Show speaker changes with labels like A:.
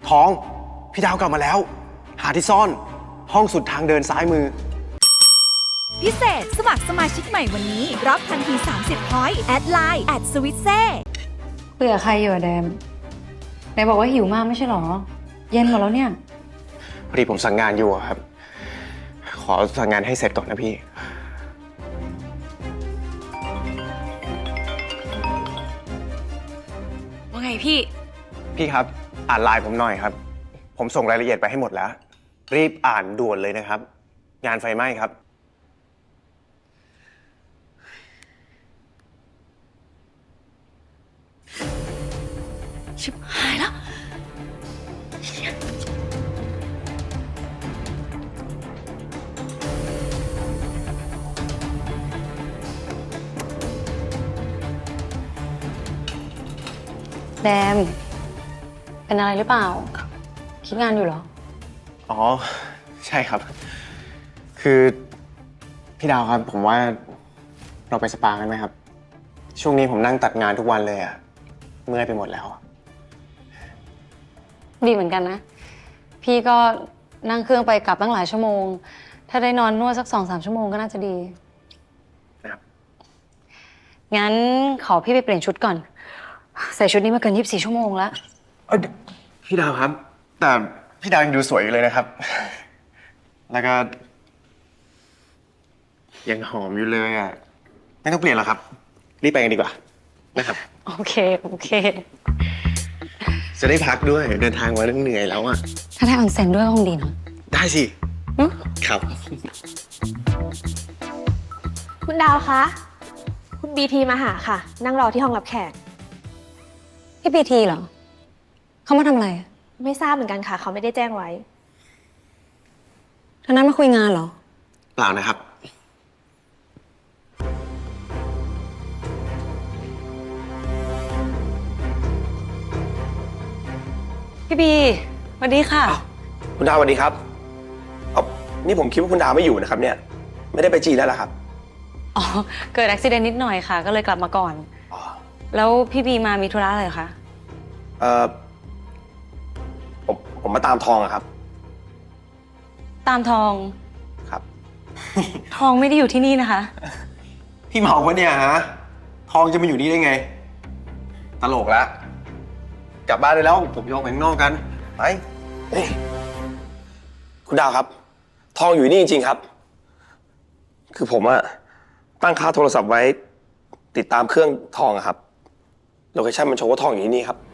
A: ทองพี่ดาวกลับมาแล้วหาที่ซ่อนห้องสุดทางเดินซ้ายมือ
B: พิเศษสมัครสมาชิกใหม่วันนี้รับทันที30 พอยต์แอดไลน์สวิตเซ่
C: เบื่อใครอยู่อะแดมไหนบอกว่าหิวมากไม่ใช่หรอเย็นหมดแล้วเนี่ย
A: พอดีผมสั่งงานอยู่ครับขอสั่งงานให้เสร็จก่อนนะพี่
C: ว่าไงพี่
A: ครับอ่านไลน์ผมหน่อยครับผมส่งรายละเอียดไปให้หมดแล้วรีบอ่านด่วนเลยนะครับงานไฟไหม้ครับ
C: ชิบหายแล้วแดมเป็นอะไรหรือเปล่าคิดงานอยู่เหรอ
A: อ๋อใช่ครับคือพี่ดาวครับผมว่าเราไปสปากันไหมครับช่วงนี้ผมนั่งตัดงานทุกวันเลยอะเมื่อยไปหมดแล้ว
C: ดีเหมือนกันนะพี่ก็นั่งเครื่องไปกลับตั้งหลายชั่วโมงถ้าได้นอนนวดสัก2-3 ชั่วโมงก็น่าจะดี
A: ครับ
C: งั้นขอพี่ไปเปลี่ยนชุดก่อนใส่ชุดนี้มาเกิน24 ชั่วโมงแล้ว
A: พี่ดาวครับแต่พี่ดาวยังดูสวยอยู่เลยนะครับแล้วก็ยังหอมอยู่เลยอ่ะไม่ต้องเปลี่ยนหรอกครับรีบไปกันดีกว่านะครับ
C: โอเค
A: จะได้พักด้วยเดินทางมาเหนื่อยแล้วอ่ะ
C: ถ้าได้ออนเซ็นด้วยก็คงดีเนาะ
A: ได้สิครับ
D: คุณดาวคะคุณบีทีมาหาค่ะนั่งรอที่ห้องรับแขก
C: พี่พีทีเหรอเขามาทำอะไร
D: ไม่ทราบเหมือนกันค่ะเขาไม่ได้แจ้งไว้
C: ท่านั้นมาคุยงานเหรอ
A: เปล่านะครับ
C: พี่บีสวัสดีค่ะ
E: คุณดาวสวัสดีครับนี่ผมคิดว่าคุณดาวไม่อยู่นะครับเนี่ยไม่ได้ไปจีนแล้วล่ะครับ
C: อ๋อเกิดอุบัติเหตุนิดหน่อยค่ะก็เลยกลับมาก่อนแล้วพี่บีมามีธุระอะไรคะ
E: ผมมาตามทองอะครับ
C: ตามทอง
E: ครับ
C: ทองไม่ได้อยู่ที่นี่นะคะ
A: พี่เมาปะเนี่ยฮะทองจะมาอยู่นี่ได้ไงตลกละกลับบ้านได้แล้วผมจะออกไปข้างนอกกันไป
E: คุณดาวครับทองอยู่นี่จริงๆครับคือผมอะตั้งค่าโทรศัพท์ไว้ติดตามเครื่องทองอะครับโลเคชั่นมันโชว์ว่าทองอยู่ที่นี่ครับ